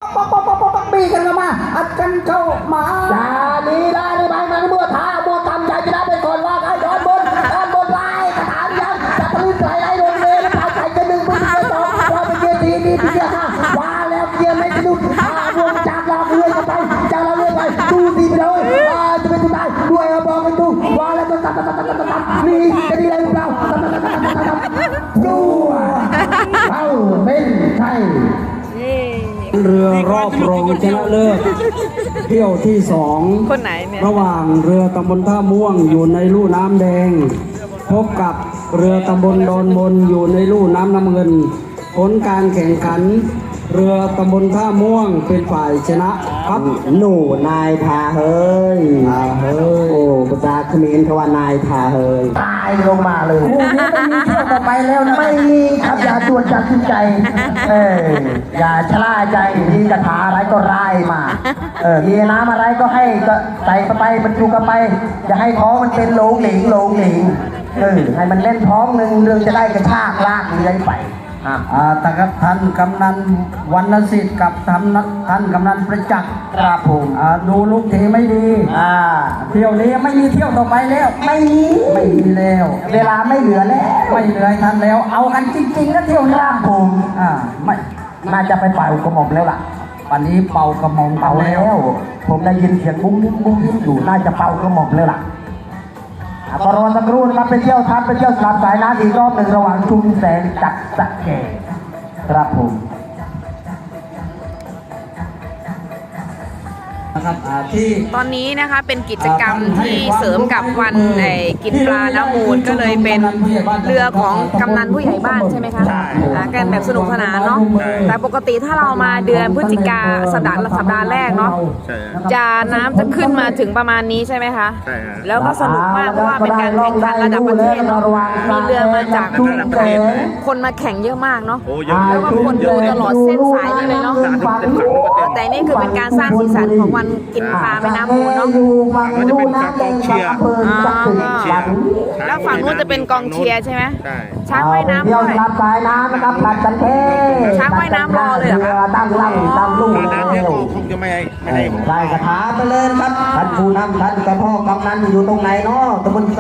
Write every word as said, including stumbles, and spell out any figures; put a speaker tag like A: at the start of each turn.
A: ป๊อกป๊อกป๊อกป๊อกป๊อกบีกันเข้ามาอัดกันเข้ามาอย่าลีลาในใบมันมัวท้ามัวตำใจจะได้ไปก่อนว่าใครโดนบนโดนบนไล่กระถางยังจะทะลุใจไอ้โดนเลยแล้วใครจะดึงไปเกียร์สองเราไปเกียร์สี่นี่เกียร์ห้าว่าแล้วเกียร์ไม่สะดุดพาวงจากเราเรื่อยไปจากเราเรื่อยไปดูดีไปเลยว่าจะเป็นตัวตายด้วยบอกกันดูว่าแล้วก็ตัดตัดตัดตัดตัดนี่จะดีอะไรหรือเปล่าตัดตัดตัดตัดตัดดูเข้าเป็นใช่เรือรอบรองชนะเลิศเที่ยวที่สอง
B: คนไหนเนี่ย
A: ระหว่างเรือตำบลท่าม่วงอยู่ในลู่น้ำแดงพบกับเรือตำบลดอนมนอยู่ในลู่น้ำน้ำเงินผลการแข่งขันเรือตำบลท่าม่วงเป็นฝ่ายชนะครับหนูนายทาเฮยทาเฮยโอ้ภาษาเขมรเขาว่านายทาเฮยตายลงมาเลยคู่นี้ไม่มีเที่ยวต่อไปแล้วนะไม่มีครับอย่าตรวจจับใจเอออย่าชะล่าใจมีกระถาอะไรก็ไล่มาเออมีน้ำอะไรก็ให้ก็ใส่เข้าไปบรรจุเข้าไปอย่าให้ท้องมันเป็นโหลงหลิงโหลงหลิงเออให้มันเล่นท้องหนึ่งเรื่องจะได้กระชากลากเลื้อยไปอ่าแต่ครับท่านกำนันวรรณสิทธิ์กับท่านท่านกำนันประจักษ์ครับผมอ่าดูลูกเทไม่ดีอ่าเที่ยวนี้ไม่มีเที่ยวต่อไปแล้วไม่มีไม่มีแล้วเวลาไม่เหลือแล้วไม่เหลือท่านแล้วเอากันจริงๆนะเที่ยวร่างผมอ่าไม่น่าจะไปเป่ากระหม่อมแล้วล่ะวันนี้เป่ากระหม่อมเป่าแล้ว ผมได้ยินเสียงบุ้งยิ้มบุ้งยิ้มอยู่น่าจะเป่ากระหม่อมแล้วล่ะก็รอสักครู่นะครับไปเที่ยวทัพไปเที่ยวสามสายน้ำอีกรอบหนึ่งระหว่างชุมแสงจักรสะแก่ครับผม
B: ตอนนี้นะคะเป็นกิจกรรมที่เสริมกับวันไอ้กินปลาน้ำมูลก็เลยเป็นเรือของกำนันผู้ใหญ่บ้านใช่ไหมคะกันแบบสนุกสนานเนาะแต่ปกติถ้าเรามาเดือนพฤศจิกาสัปดาห์สัปดาห์แรกเนาะจะน้ำจะขึ้นมาถึงประมาณนี้ใช่ไหมคะแล้วก็สนุกมากเพราะว่าเป็นการแข่งขันระดับประเทศเนาะมีเรือมาจากคนมาแข่งเยอะมากเนาะแล้วก็คนดูตลอดเส้นสายนี่เลยเนาะแต่นี่คือเป็นการสร้างสีสันของวันกินปลาแม่น้ำมูลเนาะ
C: ก็จะเป็นฝั่งกองเชียร์
B: แล้วฝั่งนู้นจะเป็นกองเชียร์ใช่ไหมช้างว่ายน้ำด้วย
A: สายน้ำนะครับผัดกันเท
B: ช้างว่ายน้ำรอเลยเหรอคะ
A: ตั้งลำตั้งลูก
C: น้ำเนี่ยคงจะไม่ไม่ให้
A: ได้กระถาไปเลยครับท่านผู้นำท่านกระพ่อกำนันอยู่ตรงไหนเนาะตำบล